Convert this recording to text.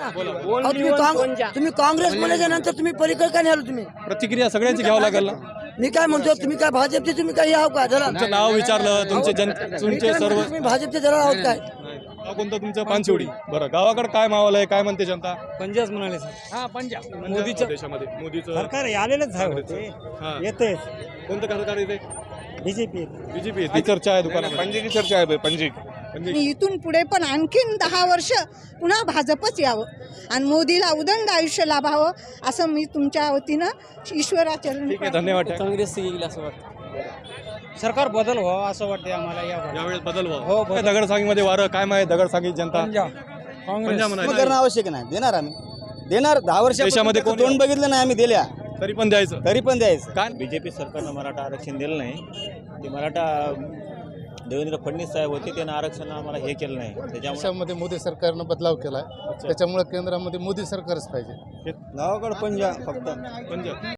अहो, तुम्ही काँग्रेस म्हणायच्या नंतर तुम्ही पलीकडे काय नाही आलो तुम्ही? प्रतिक्रिया सगळ्यांची घ्यावं लागेल ना. मी काय म्हणतो, तुम्ही काय भाजपचे तुम्ही काही आहो का जरा? तुमचं नाव विचारलं, तुमचे सर्व तुम्ही भाजपचे जरा आहोत काय? नाव कोणतं तुमचं? पानशिवडी. बरं, गावाकडे काय माहोल आहे, काय म्हणते जनता? पंजाब म्हणाले सर. हा पंजाब मोदीचं देशामध्ये मोदीचं सरकार आलेलंच आहे होते येते. कोणतं सरकार येते? BJP BJP. ती चर्चा आहे दुकानात. पंजे की चर्चा आहे पंजे. आणि इथून पुढे पण आणखीन 10 वर्ष पुन्हा भाजपच यावं आणि मोदीला उदंड आयुष्य लाभावं असं मी तुमच्या वतीनं ईश्वराचरणी ठीक आहे, धन्यवाद. काँग्रेस येईल असं वाटतं. सरकार बदल व्हावं असं वाटते आम्हाला यावेळेस बदल व्हावा. हो, काय दगडसांगीमध्ये वारं काय माहिती? दगडसांगी जनता पंजाब म्हणाली. करणं आवश्यक नाही. देणार आम्ही देणार. 10 वर्ष देशामध्ये कोण- तोंड बघितलं नाही आम्ही दिल्या, तरी पण द्यायचं. तरी पण द्यायचं. काय बीजेपी सरकारनं मराठा आरक्षण दिलं नाही. ते मराठा देवेंद्र फडणवीस साहेब होते, त्यानं आरक्षण आम्हाला हे केलं नाही. त्याच्यामुळे देशामध्ये मोदी सरकारनं बदलाव केला, त्याच्यामुळे केंद्रामध्ये मोदी सरकारच पाहिजे. गावाकडे पंजाब फक्त पंजाब.